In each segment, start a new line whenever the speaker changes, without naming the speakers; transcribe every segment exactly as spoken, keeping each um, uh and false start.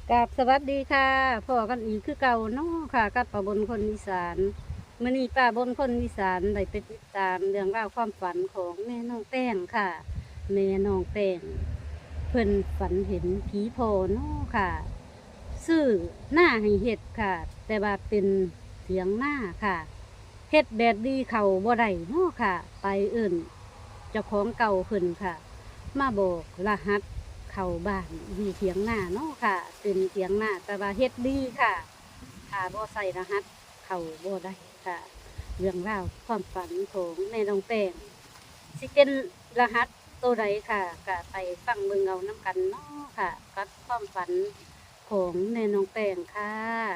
กับสวัสดีค่ะพ่อกันอีกคือเก่าเนาะค่ะกับป้าบนคนอีสานมื้อนี้ป้าบนคนอีสานได้ไปติดตามเรื่องราวความฝันของแม่น้องแป้งค่ะแม่น้องแป้งเพิ่นฝันเห็นผีโพเนาะค่ะซื้อหน้าให้เฮ็ดค่ะ แต่ว่าเป็นเสียงหน้าค่ะเฮ็ดแบบดีเขาบ่ได้เนาะค่ะ ไปเอิ่นเจ้าของเก่าเพิ่นค่ะ มาบอกรหัสเข้าบ้านอยู่เถียงหน้าเนาะค่ะเป็นเถียงหน้าแต่ว่าเฮ็ดดีค่ะถ้าบ่ใส่รหัสเข้าบ่ได้ค่ะ เรื่องราวความฝันของแม่น้องแป้งสิเป็นรหัสตัวใดค่ะก็ไปฟังเบิ่งเอาน้ำกันเนาะค่ะกับความฝันของแม่น้องแป้งค่ะ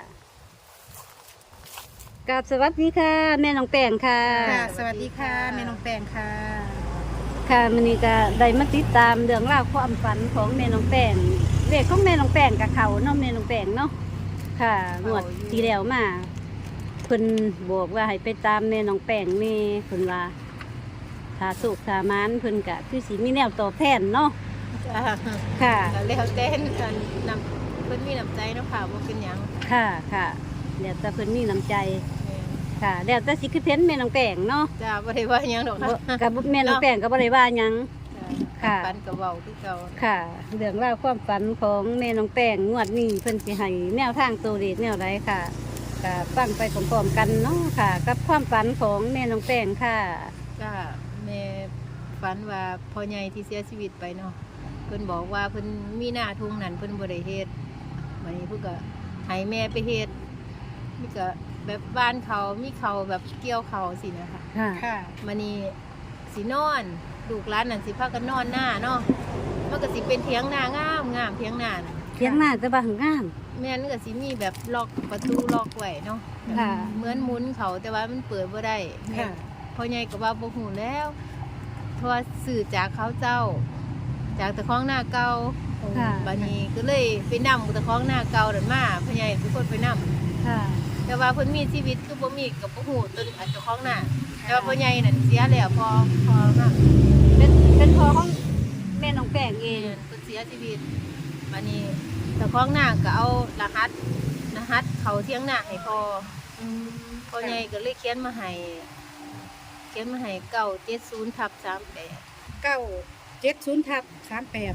กราบสวัสดีค่ะ แม่น้องแป้งค่ะ
ค่ะสวัสดีค่ะแม่น้องแป้งค่ะ
ค่ะมื้อนี้ก็ได้มาติดตามเรื่องราวความฝันของแม่น้องแป้งเลขของแม่น้องแป้งกับเขาเนาะแม่น้องแป้งเนาะค่ะงวดที่แล้วมาเพิ่นบอกว่าให้ไปตามแม่น้องแป้งแม่เพิ่นว่าถ้าสุขถ้ามานเพิ่นก็คือสิมีแนวตอบแทนเนาะ
จ้า
ค่ะ
แล้วเต้นกันนำเพิ่นมีน้ำใจเนาะค่ะว่าเป็นหยัง
ค่ะค่ะเดี๋ยวแต่เพิ่นมีน้ำใจค่ะเดี๋ยวแต่สิคือเพ้นแม่น้องแป้งเนาะ
จ้าบ่ได้ว่าหยังดอก
บ่
ค่ะ
กับแม่น้องแป้งก็บ่ได้ว่าหยัง ค่ะ
ปันกับเว้าคือเก่า
ค่ะเรื่องราวความฝันของแม่น้องแป้งงวดนี้เพิ่นสิให้แนวทางตัวเลขแนวใดค่ะก็ฟังไปพร้อมๆกันเนาะค่ะ กับความฝันของแม่น้องแป้งค่ะ
จ้าแม่ฝันว่าพ่อใหญ่ที่เสียชีวิตไปเนาะเพิ่นบอกว่าเพิ่นมีหน้าทุ่งนั้นเพิ่นบ่ได้เฮ็ดวันนี้เพิ่นก็ให้แม่ไปเฮ็ดมีก็แบบบ้านเขามีเขาแบบเกี่ยวเขาสินะคะ
ค่ะ
ค่ะมันนี่สินอนลูกร้านนั่นสิพากันนอนหน้าเนาะมันก็สิเป็นเถียงหน้างามงามเถียงหน้าน่ะ
เทียงหน้าจะบางงาม
แม่นก็สิมีแบบล็อกประตูล็อกไว้เนาะ
ค่ะ
เหมือนหมุนเขาแต่ว่ามันเปิดบ่ได้
ค่ะ
พ่อใหญ่ก็ว่าบ่ฮู้แล้วเพราะว่าสื่อจากเขาเจ้า จากตะคองหน้าเก่า
ค่ะ
บัดนี้ก็เลยไปนำตะคองหน้าเก่านั่นมาพ่อใหญ่เป็นคนไปนำ
ค่ะ
แต่ว่าเพิ่นมีชีวิตคือบ่มีกับบ่ฮู้ตัวอันเจ้าของหน้าแต่ว่าพ่อใหญ่นั่นเสียแล้วพอพอมาก
เป็นเป็นพ่อของแม่น้องแป้งเอ
เอง งเพิ่นเสียชีวิตบัดนี้เจ้าของหน้าก็เอารหัสรหัสเขาเที่ยงหน้าให้พอพ่อใหญ่ก็เลยเขียนมาให้เขียนมาให้เก้าเจ็ดศูนย์ทับสามแปด
เก้าเจ็ดศูนย์ทับสามแปด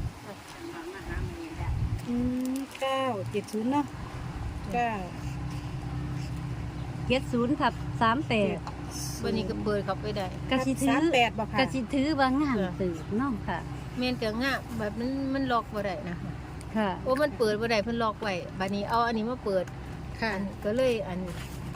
อืมเก้าเจ็ดศูนย์เนาะเก้า
เจ็ดศูนย์ทับสามแปด
วันนี้ก็เปิดเข้าไปได้
กะสิถื
สาม
อ
แปดบอกค่ะ
กะสิถือว่างามตื่นเนาะค่ะ
แม่นก็งะแบบมันมันล็อกบ่ได้นะคะ
ค่ะ
โอ้มันเปิดบ่ได้เพิ่นล็อกไว้บัดนี้เอาอันนี้มาเปิด
ค่ะ
อันก็เลยอัน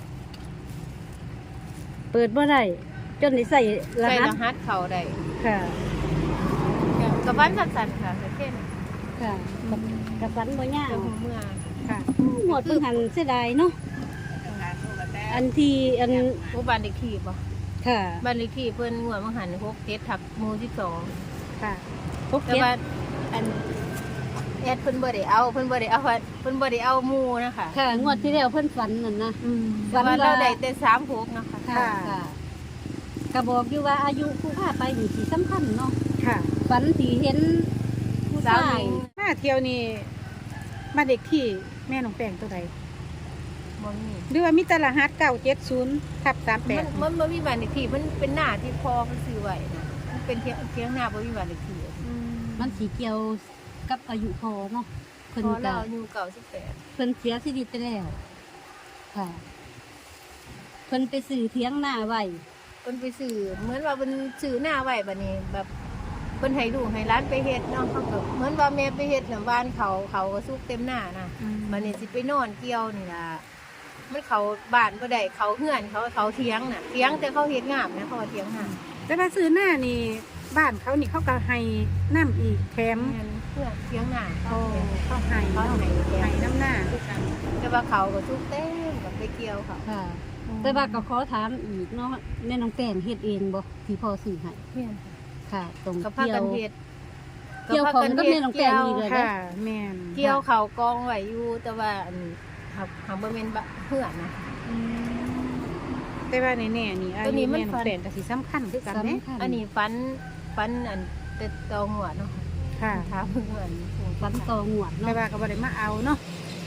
เปิดบ่ได้จนได้ใส่ร
ใส่
หัส
รหัสเขาได้
ค่ะ
กับบ้านสั้นๆค่ะแค่นั้น
ค่ะกับกับฝันบ่ยา
เจ้าว ของเมือง
ค่ะ
หมดเพิ่งหันเสียดายเนาะอันที่อัน
หมู่บ้านเลขที่บ่
ค่ะ
บ้านเลขที่เพิ่นงวดมังหันหกเจ็ดทับหมู่สิบสอง
ค่ะ
พก
แต่
เก็บ
ว่าอันแอดเพิ่นบ่ได้เอาเพิ่นบ่ได้เอาเพิ่นบ่ได้เอาหมู่นะคะ
ค่ะ งวดที่แล้วเพิ่นฝันนั่นนะ
อืม
ฝั
แต่
น
ว่า
ว่า
เราได้แต่สามหกนะคะ
ค่ะค่ะก็บอกอยู่ว่าอายุผู้พาไปนี่สิสำคัญเนาะ
ค่ะ
ฝันสิเห็นผู้
สาว
ชา
ห
ย
ญิง
มาเที่ยวนี่มาเด็กที่แม่น้องแป้งตัวใด
บ่มี
หรือว่ามีแต่รหัสเก้าเจ็ดศูนย์ทับสามแป
มั
ด
นมันบ่มีบ้านเลขที่มันเป็นหน้าที่พ่อเพิ่นซื้อไว้นะมันเป็นเทียงเทียงหน้าบ่มีบ้านเลขที่
มันสีเกี่ยวกับอายุพอเนาะเพิ่น
พอ
ก็
เราอายุเก้าสิบแปด
เพิ่นเสียชีวิตไปแล้ว ค่ะ เพิ่นไปซื้อเถียงหน้าไว้
เพิ่นไปซื้อเหมือนว่าเพิ่นซื้อหน้าไว้บัดนี้แบบเพิ่นให้ลูกให้ร้านไปเฮ็ดเนาะเขาก็เหมือนว่าแม่ไปเฮ็ดน่ะบ้านเขาเขาก็สุกเต็มหน้านะบัดนี้สิไปนอนเกี่ยวนี่ล่ะมันเขาบ้านบ่ได้เขาเฮือนเขาเขาเถียงน่ะเถียงแต่เขาเฮ็ดงามนะเขาว่าเถียงหน้า
แต่ว่าซื้อหน้านี่บ้านเขานี่เขาก็ให้น้ำอีกแถม
เงินเพื่อเถียงหน้า
โอ้
เขา
เขาให้
เขา
เนาะ
ให้แถ
ให้
ม
น้ำหน้า
แต่ว่าเขาก็สุกเต็มกับไปเกี่ยวเขา
ค่ะ แต่ว่าก็ขอถามอีกเนาะแม่น้องแป้งเฮ็ดเองบ่ที่พ่อซื้อให้
เพื่อน
ค่ะ ตรง
กับพา
เกี่ย
กั
วน
เฮ็ด
เกี่ยวของกับแม่น้องแป้งนี่เลย
ค่ะแม่น
เกี่ยวเขากองไว้อยู่แต่ว่าอันหักหักบ่แม่นบะเพื่อนนะ
อืมแต่ว่าแน่ๆนี่อา
ตัวนี้
ยุ
มัน
แม่น้องแป้งก็สิสำคัญคือกันเด้
สำคัญ
อันนี้ฟันฟันอันเต็ดตอหัวเนาะ
ค่ะ
ถามเพื่อน
ฝันต่องวด
แต่
เนาะ
ว่าก็บ่ได้มาเอาเนาะ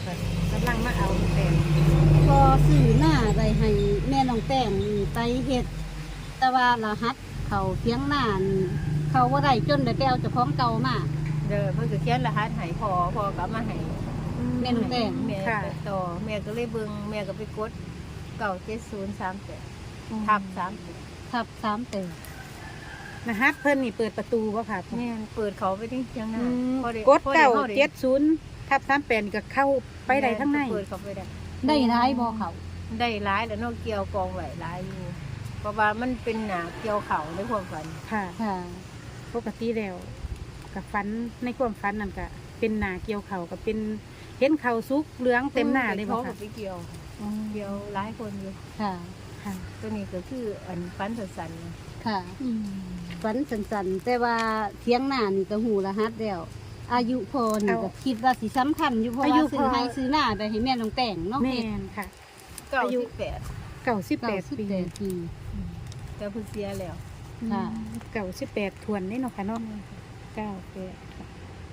ค่ะกำลังมาเอาแต่
พอซื้อหน้าได้ให้แม่น้องแป้งนี่ไปเฮ็ดแต่ว่ารหัสเขาเพียงหน้านี่เขาบ่ได้จนได้ไปเอาเจ้าของเก่ามา
เด้อเพิ่นก็เขียนรหัสให้พอพอก็เอามาให้
แม่น้องแป้ง
แม่
ค่ะ
ไปต่อแม่ก็เลยเบิ่งแม่ก็ไปกดเก้าเจ็ดศูนย์สามแปดทับสามแปด
ทับสามเต
รหัสเพิ่นนี่เปิดประตูบ่ค่ะ
แม่นเปิดเขาไปที่เชียงนา
อืม
พอไ
กด
พอไ
เก้า
ข้ไ
เจ็ดศูนย์ทับสามแปดก็เข้าไปได้ทั้งใน
เปิดเขาไปได้
ได้ร้ายบ่เขา
ได้ร้ายแล้วนอกเกี่ยวกองไหวร้ายอยู่เพราะว่ามันเป็นหนาเกี่ยวเขาในความฝัน
ค่ะ
ค่ะ
ปกติแล้วกับฟันในความฝันนั่นก็เป็นหนาเกี่ยวเขาก็เป็นเห็นเขาสุกเหลืองเต็มหน้าเลยบ่
เขา
ค่ะ
ไปเกี่ยว
อ๋อ
เกี่ยวร้ายคนอยู่
ค่ะ
ค่ะ
ตัวนี้ก็คืออันฟันสันๆนะ
ค่ะ
อืม
ฝันสันๆแต่ว่าเทียงหน้านี่ก็หูรหัสแล้วอายุพอนี่ก็คิดว่าสิสำคัญอยู่เพราะว่าซื้อให้ซื้อหน้าไปให้แม่น้องแป้งเนาะ
แม่นค่ะ
เก้า
อายุ
สิบแปด
เก่าสิบแป
เก้า
ด
สิบ
ปี
แปดปี
แต่เพิ่งเสียแล้ว
ค่ะ
เก่าสิบแปดทวนได้เนาะค่ะเนาะเก้าแปดค่ะ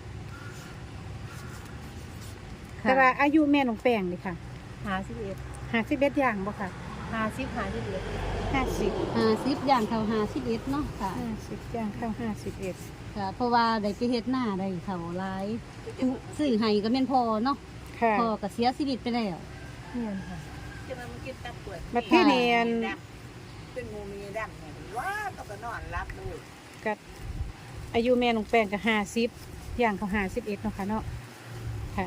แต่ว่าอายุแม่น้องแป้งนี่ค่ะ
หาสิบเอ็ด
ห้าสิบเอ็ดอย่างบ่ค่ะ
หาสิบหาสิบเอ็ด
ห้าสิบ
ห้าสิบย่างเขาห้าสิบเอ็ดเนาะค่ะ
ห้าสิบอย่างเข้าห้าสิบเอ็ด
ค่ะ เพราะว่าได้ไปเฮ็ดหน้าได้เขาหลายซื้อให้ก็แม่นพอเนาะ
ค่ะ
พอก็เสียชีวิตไปแล้ว
เนี่ยค่ะ
บัดเทเนียน
เป็นงูมีดำเนี่ยว้าก็ก็นอนรับเลย
กับอายุแม่น้องแป้งก็ห้าสิบอย่างเขาห้าสิบเอ็ดเนาะค่ะเนาะค่ะ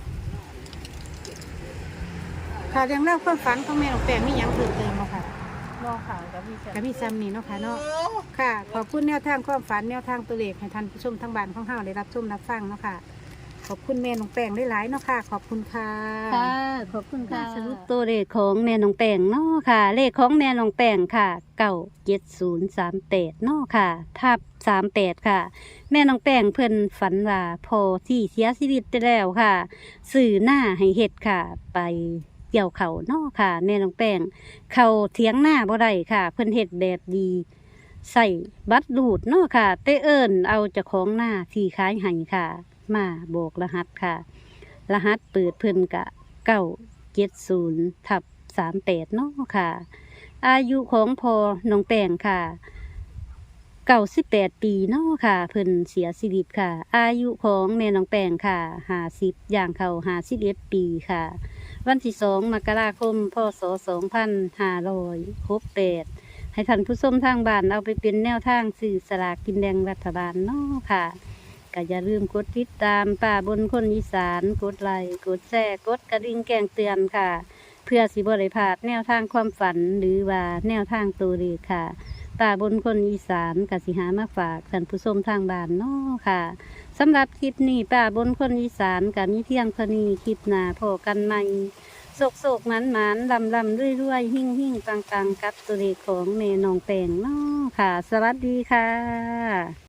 ค่ะเรื่องเล่าวความฝันของแม่น้องแป้งมีหยังเพิ่มเติมเนาะค่ะ
นอกข่าวกับพี่จัน
กับพี่ซัมนี่เนาะค่ะเนาะค่ะ ขอบคุณแนวทางความฝันแนวทางตัวเลขให้ท่านผู้ชมทั้งบ้านของเฮาได้รับชมรับฟังเนาะค่ะ ขอบคุณแม่น้องแป้งหลายๆเนาะค่ะ ขอบคุณค่ะ
ค่ะ ขอบคุณค่ะสรุปตัวเลขของแม่น้องแป้งเนาะค่ะ เลขของแม่น้องแป้งค่ะเก้าเจ็ดศูนย์สามแปดเนาะค่ะ ทับสามแปดค่ะ แม่น้องแป้งเพิ่นฝันว่าพอที่เสียชีวิตไปแล้วค่ะ สื่อหน้าให้เห็ดค่ะ ไปเกี่ยวเขาเนาะค่ะ แม่น้องแป้งเขาเถียงหน้าบ่ได้ค่ะ เพิ่นเฮ็ดแบบดี ใส่บัตรดูดเนาะค่ะเตเอิญเอาเจ้าของหน้าที่ขายให้ค่ะ มาโบกรหัสค่ะ รหัสเปิดเพิ่นกะเก้าเจ็ดศูนย์ทับสามแปดเนาะค่ะ อายุของพอน้องแป้งค่ะเก้าสิบแปดปีเนาะค่ะ เพิ่นเสียชีวิตค่ะ อายุของแม่น้องแป้งค่ะห้าสิบย่างเข้าห้าสิบเอ็ดปีค่ะ วันที่สองมกราคมพศสองพันห้าร้อยหกแปดให้ท่านผู้ชมทางบ้านเอาไปเป็นแนวทางสื่อสลากกินแดงรัฐบาลเนาะค่ะก็อย่าลืมกดติดตามป่าบนคนอีสานกดไลค์กดแชร์กดกระดิ่งแจ้งเตือนค่ะ เพื่อสิบริพลาดแนวทางความฝันหรือว่าแนวทางตัวเลขค่ะป่าบนคนอีสานกสิหามาฝากท่านผู้ชมทางบ้านเนาะค่ะสำหรับคลิปนี้ป่าบนคนอีสานกับมีเพียงเท่านี้คลิปหน้าพอกันใหม่โศกโศกหมันหมันลำลำรุ่ยรุ่ยหิ่งหิ่งตังตังกับตัวเลขของเมนองแปงเนาะค่ะ สวัสดีค่ะ